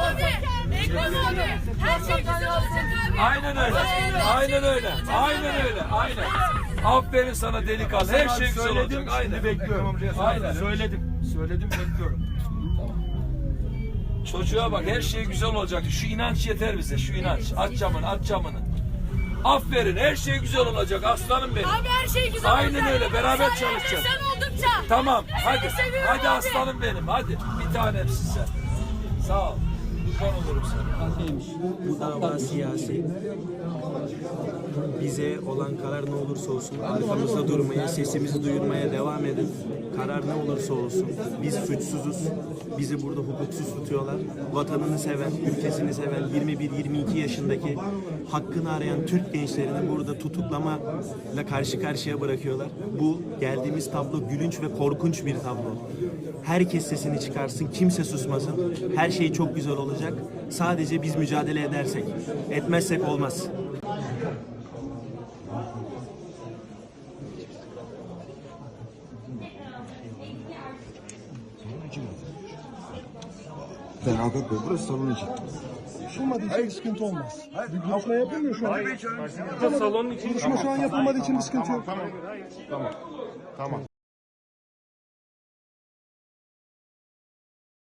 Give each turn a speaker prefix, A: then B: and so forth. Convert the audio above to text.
A: Her şey güzel olacak abi.
B: Aynen öyle. Aynen öyle. Aynen öyle. Aynen. Aferin sana delikanlı. Her şey güzel olacak. Aynen.
C: Bekliyorum.
B: Aynen.
C: Söyledim bekliyorum.
B: Çocuğa bak, her şey güzel olacak. Şu inanç yeter bize. Şu inanç. Aç camını, aç camını. Aferin, her şey güzel olacak aslanım benim.
A: Abi her şey güzel olacak.
B: Aynen öyle, beraber
A: Sen
B: çalışacağız.
A: Sen oldukça.
B: Tamam, hadi.
A: Seni seviyorum
B: Hadi
A: abi.
B: aslanım benim, hadi. Bir tanemsin sen. Sağ ol. Kurban olurum sana.
D: Bu dava siyasi. Bize olan karar ne olursa olsun arkamızda durmaya, sesimizi duyurmaya devam edin. Karar ne olursa olsun. Biz suçsuzuz. Bizi burada hukuksuz tutuyorlar. Vatanını seven, ülkesini seven 21-22 yaşındaki hakkını arayan Türk gençlerini burada tutuklamayla karşı karşıya bırakıyorlar. Bu geldiğimiz tablo gülünç ve korkunç bir tablo. Herkes sesini çıkarsın, kimse susmasın. Her şey çok güzel olacak. Sadece biz mücadele edersek. Etmezsek olmaz.
E: Avukat Bey, burası salon için.
F: Yapılmadığı için bir sıkıntı olmaz. Bir görüşme yapılmıyor şu an.
C: Salonun için.
F: Görüşme şu an yapılmadığı için bir sıkıntı yok.
E: Tamam.